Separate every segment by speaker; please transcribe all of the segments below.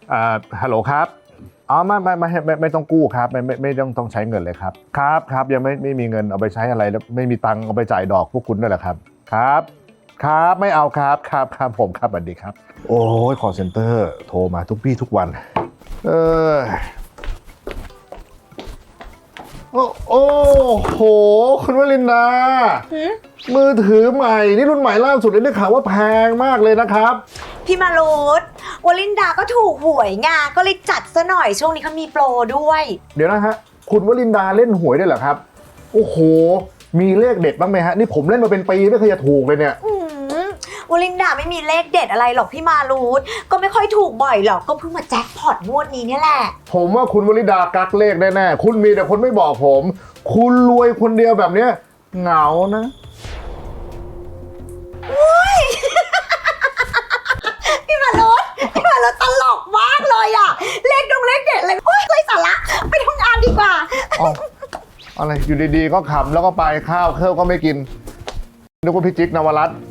Speaker 1: ฮัลโหลครับอ๋อไม่ต้องกู้ครับไม่ต้องใช้เงินเลยครับครับยังไม่มีเงินเอาไปใช้อะไรแล้วไม่มีตังค์เอาไปจ่ายดอกพวกคุณด้วยเหรอครับครับไม่เอาครับผมครับสวัสดีครับโอ้ยคอลเซ็นเตอร์โทรมาทุกวี่ทุกวันโอ้โหคุณวลินดามือถือใหม่นี่รุ่นใหม่ล่าสุดเลยได้ข่าวว่าแพงมากเลยนะครับ
Speaker 2: พี่มารุตวลินดาก็ถูกหวยไงก็เลยจัดซะหน่อยช่วงนี้เขามีโปรด้วย
Speaker 1: เดี๋ยวนะฮะคุณวลินดาเล่นหวยได้เหรอครับโอ้โหมีเลขเด็ดบ้างไหมฮะนี่ผมเล่นมาเป็นปีไม่เคยจะถูกเลยเนี่ยว
Speaker 2: ลินดาไม่มีเลขเด็ดอะไรหรอกพี่มารุตก็ไม่ค่อยถูกบ่อยหรอกก็เพิ่งมาแจ็คพอตงวดนี้เนี่ยแหละ
Speaker 1: ผมว่าคุณวลินดากักเลขแน่ๆคุณมีแต่คนไม่บอกผมคุณรวยคนเดียวแบบเนี้ยเหงานะ
Speaker 2: พี่มารุตตลกมากเลยอะเลขเด็ดเลยโอ๊ยไร้สาระไปทำงานดีกว่า
Speaker 1: อะไรอยู่ดีๆก็ขำแล้วก็ไปข้าวก็ไม่กินนึกว่าพี่จิ๊กนวรัตน์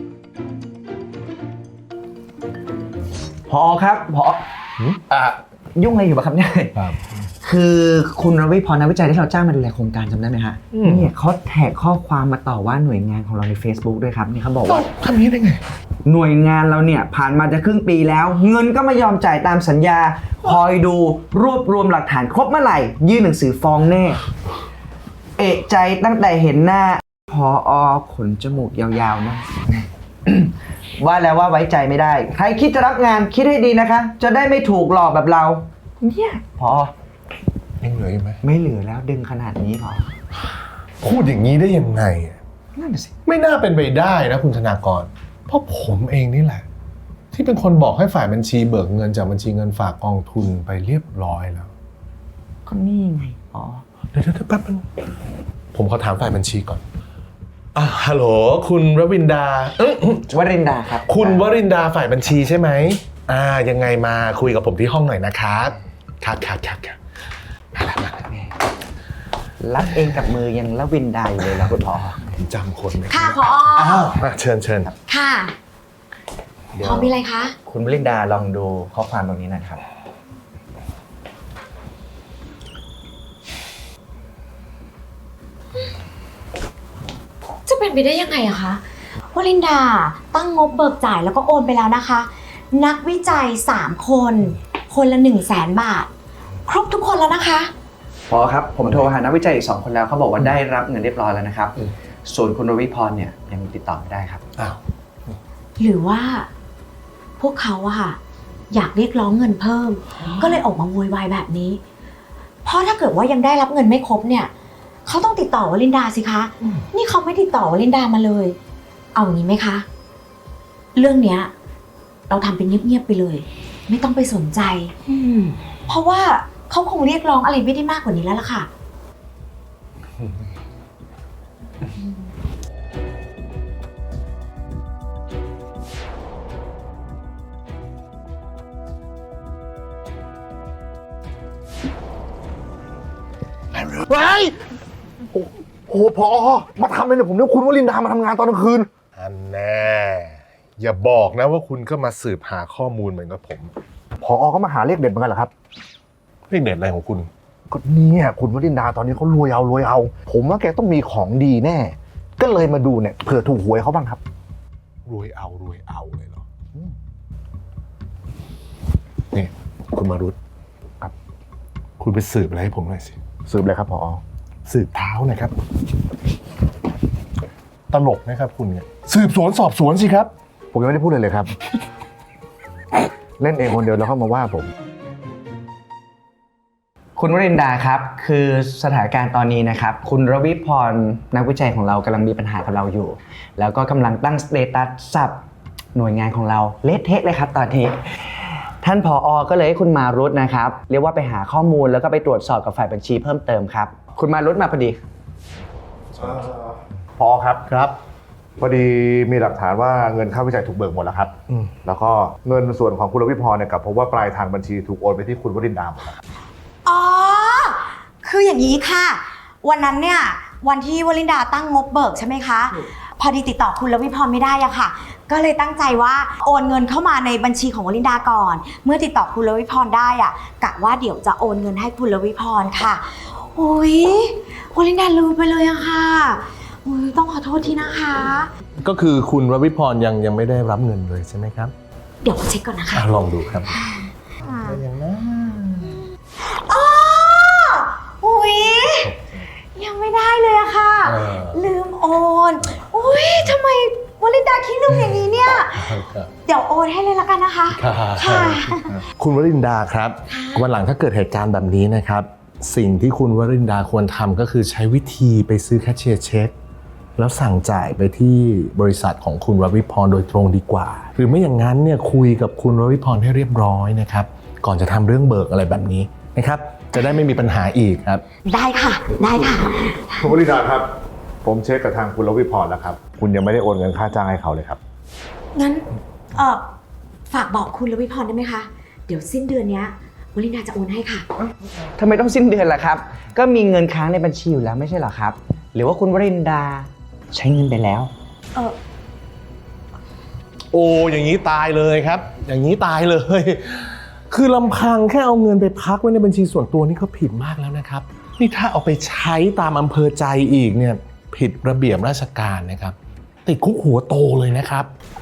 Speaker 3: ผอครับผอยุ่งอะไรอยู่ปะครับเนี่ยคือคุณรวิพรนักวิจัยที่เราจ้างมาดูแลโครงการจำได้ไหมฮะเนี่ยเขาแท็กข้อความมาต่อว่าหน่วยงานของเราใน Facebook ด้วยครับนี่เขาบอกว่า
Speaker 1: ทำนี้ได้ไง
Speaker 3: หน่วยงานเราเนี่ยผ่านมาจะครึ่งปีแล้วเงินก็ไม่ยอมจ่ายตามสัญญาคอยดูรวบรวมหลักฐานครบเมื่อไหร่ยื่นหนังสือฟ้องแน่เอะใจตั้งแต่เห็นหน้าผอขนจมูกยาวๆนะ ว่าแล้วว่าไว้ใจไม่ได้ใครคิดจะรับงานคิดให้ดีนะคะจะได้ไม่ถูกหลอกแบบเราเนี่ยพอ
Speaker 1: ยังเหลืออยู่ไหม
Speaker 3: ไม่เหลือแล้วดึงขนาดนี้พอ
Speaker 1: พูดอย่างนี้ได้ยังไง
Speaker 3: นั่นสิ
Speaker 1: ไม่น่าเป็นไปได้นะคุณธนากรเพราะผมเองนี่แหละที่เป็นคนบอกให้ฝ่ายบัญชีเบิกเงินจากบัญชีเงินฝากกองทุนไปเรียบร้อยแล้ว
Speaker 3: ก็นี่ไงอ๋อ
Speaker 1: เดี๋ยวแป๊บนึงผมขอถามฝ่ายบัญชีก่อนฮัลโหลคุณวรินดาว
Speaker 3: รินดาครับ
Speaker 1: คุณวรินดาฝ่ายบัญชีใช่ไหมยังไงมาคุยกับผมที่ห้องหน่อยนะครับครับมาแล้ว
Speaker 3: รับเองกับมือยังละวินดาอยู่เลยนะคุณพอ
Speaker 1: จำคนไหม
Speaker 2: ค่ะพอ
Speaker 1: เชิญ
Speaker 2: ค่ะพอมีอะไรคะ
Speaker 3: คุณวรินดาลองดูข้อความตรงนี้นะครับ
Speaker 2: จะเป็นไปได้ยังไงอะคะวลินดาตั้งงบเบิกจ่ายแล้วก็โอนไปแล้วนะคะนักวิจัย3คนละ100,000 บาทครบทุกคนแล้วนะคะ
Speaker 3: พอครับผมโทรหานักวิจัยอีก2 คนแล้วเขาบอกว่าได้รับเงินเรียบร้อยแล้วนะครับส่วนคุณรวิพรเนี่ยยังติดต่อไม่ได้ครับ
Speaker 2: หรือว่าพวกเขาอะค่ะอยากเรียกร้องเงินเพิ่มก็เลยออกมาโวยวายแบบนี้เพราะถ้าเกิดว่ายังได้รับเงินไม่ครบเนี่ยเขาต้องติดต่อวลินดาสิคะนี่เขาไม่ติดต่อวลินดามาเลยเอาอย่างนี้ไหมคะเรื่องเนี้ยเราทำเป็นเงียบๆไปเลยไม่ต้องไปสนใจเพราะว่าเขาคงเรียกร้องอะไรไม่ได้มากกว่านี้แล้วล่ะค่ะ
Speaker 1: โอ้พอมาทำอะไรเนี่ยผมนึกคุณวลินดามาทำงานตอนกลางคืนอันแน่อย่าบอกนะว่าคุณก็มาสืบหาข้อมูลเหมือนกับผมพอก็มาหาเลขเด็ดเหมือนกันเหรอครับเลขเด็ดอะไรของคุณก็เนี่ยคุณวลินดาตอนนี้เขารวยเอาผมว่าแกต้องมีของดีแน่ก็เลยมาดูเนี่ยเผื่อถูกหวยเขาบ้างครับรวยเอาเลยเหรอนี่คุณมารุตครับคุณไปสืบอะไรให้ผมหน่อยสิสืบอะไรครับพอสืบเท้าหน่อยครับตลกนะครับคุณเนี่ยสืบสวนสอบสวนสิครับผมยังไม่ได้พูดเลยครับเล่นเองคนเดียวแล้วเข้ามาว่าผม
Speaker 3: คุณวรินดาครับคือสถานการณ์ตอนนี้นะครับคุณรวิพรนักวิจัยของเรากำลังมีปัญหากับเราอยู่แล้วก็กำลังตั้งสเตตัสสับหน่วยงานของเราเละเทะเลยครับตอนนี้ท่านผอ.ก็เลยให้คุณมารุตนะครับเรียกว่าไปหาข้อมูลแล้วก็ไปตรวจสอบกับฝ่ายบัญชีเพิ่มเติมครับคุณมารุตมาพอดี
Speaker 1: ผอ.ครับพอดีมีหลักฐานว่าเงินค่าวิจัยถูกเบิกหมดแล้วครับแล้วก็เงินส่วนของคุณรวิพรเนี่ยกับพบว่าปลายทางบัญชีถูกโอนไปที่คุณวรินดาหมดแล้ว
Speaker 2: อ๋อคืออย่างนี้ค่ะวันนั้นเนี่ยวันที่วลินดาตั้งงบเบิกใช่ไหมคะพอดีติดต่อคุณลวิพรไม่ได้อะค่ะ ก็เลยตั้งใจว่าโอนเงินเข้ามาในบัญชีของวลินดาก่อน เมื่อติดต่อคุณลวิพรได้อะกะว่าเดี๋ยวจะโอนเงินให้คุณลวิพรค่ะโอ้ยวลินดาลืมไปเลยอะค่ะอุ๊ยต้องขอโทษทีนะคะ
Speaker 1: ก็คือคุณรวิพรยังไม่ได้รับเงินเลยใช่ไหมครับ
Speaker 2: เดี๋ยวเช็คก่อนนะคะ
Speaker 1: ลองดูครับ
Speaker 2: อย่างนะอ๋ออุ๊ยยังไม่ได้เลยอะค่ะ ลืมโอนอุ๊ยทำไมวลินดาขี้ลืมอย่างนี้เนี่ย เดี๋ยวโอนให้เลยละกันนะคะ ค่ะ
Speaker 1: คุณวรินดาครับวันหลังถ้าเกิดเหตุการณ์แบบนี้นะครับ สิ่งที่คุณวรินดาควรทำก็คือใช้วิธีไปซื้อแคชเชียร์เช็คแล้วสั่งจ่ายไปที่บริษัทของคุณรวิพรโดยตรงดีกว่า หรือไม่อย่างนั้นเนี่ยคุยกับคุณรวิพรให้เรียบร้อยนะครับก่อนจะทำเรื่องเบิกอะไรแบบนี้นะครับจะได้ไม่มีปัญหาอีกครับ
Speaker 2: ได้ค่ะ ได้ค่ะ
Speaker 1: คุณวรินดาครับผมเช็คกับทางคุณรวิพรแล้วครับคุณยังไม่ได้โอนเงินค่าจ้างให้เขาเลยครับ
Speaker 2: งั้นฝากบอกคุณลวิพรได้ไหมคะ เดี๋ยวสิ้นเดือนเนี้ยวลินดาจะโอนให้ค่ะ
Speaker 3: ทำไมต้องสิ้นเดือนล่ะครับ ก็มีเงินค้างในบัญชีอยู่แล้วไม่ใช่เหรอครับ หรือว่าคุณวรินดาใช้เงินไปแล้ว
Speaker 1: โอ้อย่างนี้ตายเลยครับ อย่างนี้ตายเลย คือลำพังแค่เอาเงินไปพักไว้ในบัญชีส่วนตัวนี่ก็ผิดมากแล้วนะครับนี่ถ้าเอาไปใช้ตามอำเภอใจอีกเนี่ยผิดระเบียบราชการนะครับติดคุกหัวโตเลยนะครับ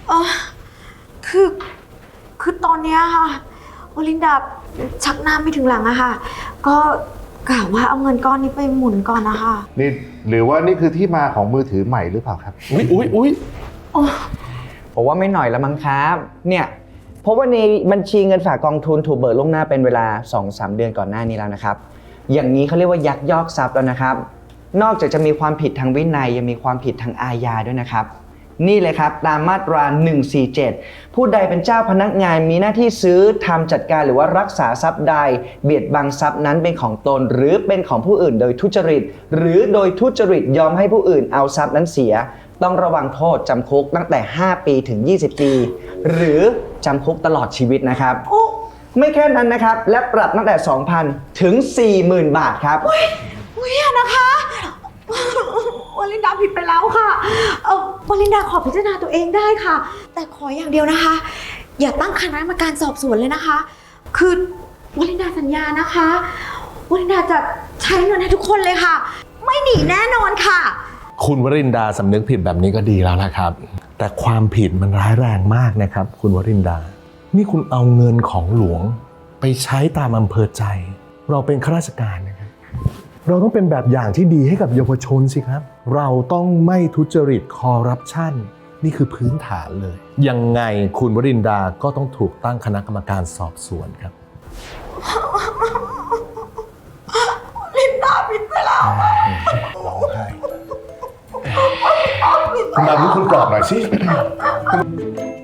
Speaker 2: คือตอนเนี้ยค่ะวลินดาชักหน้าไม่ถึงหลังอะค่ะ ก็กะว่าเอาเงินก้อนนี้ไปหมุนก่อนนะคะ
Speaker 1: นี่หรือว่านี่คือที่มาของมือถือใหม่หรือเปล่าครับอุ๊ย
Speaker 3: ผมว่าไม่หน่อยละมั้งครับ เนี่ยเพราะว่าในบัญชีเงินฝากกองทุนถูกเบิกล่วงหน้าเป็นเวลา 2-3 เดือนก่อนหน้านี้แล้วนะครับ อย่างนี้เขาเรียกว่ายักยอกทรัพย์แล้วนะครับ นอกจากจะมีความผิดทางวินัยยังมีความผิดทางอาญาด้วยนะครับ นี่เลยครับตามมาตรา 147 ผู้ใดเป็นเจ้าพนักงานมีหน้าที่ซื้อทำจัดการหรือว่ารักษาทรัพย์ใดเบียดบังทรัพย์นั้นเป็นของตนหรือเป็นของผู้อื่นโดยทุจริตหรือโดยทุจริตยอมให้ผู้อื่นเอาทรัพย์นั้นเสียต้องระวังโทษจำคุกตั้งแต่ 5 ปีถึง 20 ปี หรือจำคุกตลอดชีวิตนะครับ ไม่แค่นั้นนะครับและปรับตั้งแต่ 2,000 ถึง 40,000 บาทครับ
Speaker 2: อุ๊ยอย่านะคะวลินดาผิดไปแล้วค่ะวลินดาขอพิจารณาตัวเองได้ค่ะ แต่ขออย่างเดียวนะคะ อย่าตั้งคณะกรรมการสอบสวนเลยนะคะ คือวลินดาสัญญานะคะวลินดาจะใช้เงินให้ทุกคนเลยค่ะ ไม่หนีแน่นอนค่ะ
Speaker 1: คุณวรินดาสำนึกผิดแบบนี้ก็ดีแล้วนะครับแต่ความผิดมันร้ายแรงมากนะครับคุณวรินดานี่คุณเอาเงินของหลวงไปใช้ตามอำเภอใจเราเป็นข้าราชการนะครับเราต้องเป็นแบบอย่างที่ดีให้กับเยาวชนสิครับเราต้องไม่ทุจริตคอร์รัปชันนี่คือพื้นฐานเลยยังไงคุณวรินดาก็ต้องถูกตั้งคณะกรรมการสอบสวนครับ
Speaker 2: ลินดาผิดไปแล้ว
Speaker 1: ร้องไห้คุณดาวนี่คุณปลอบหน่อยสิ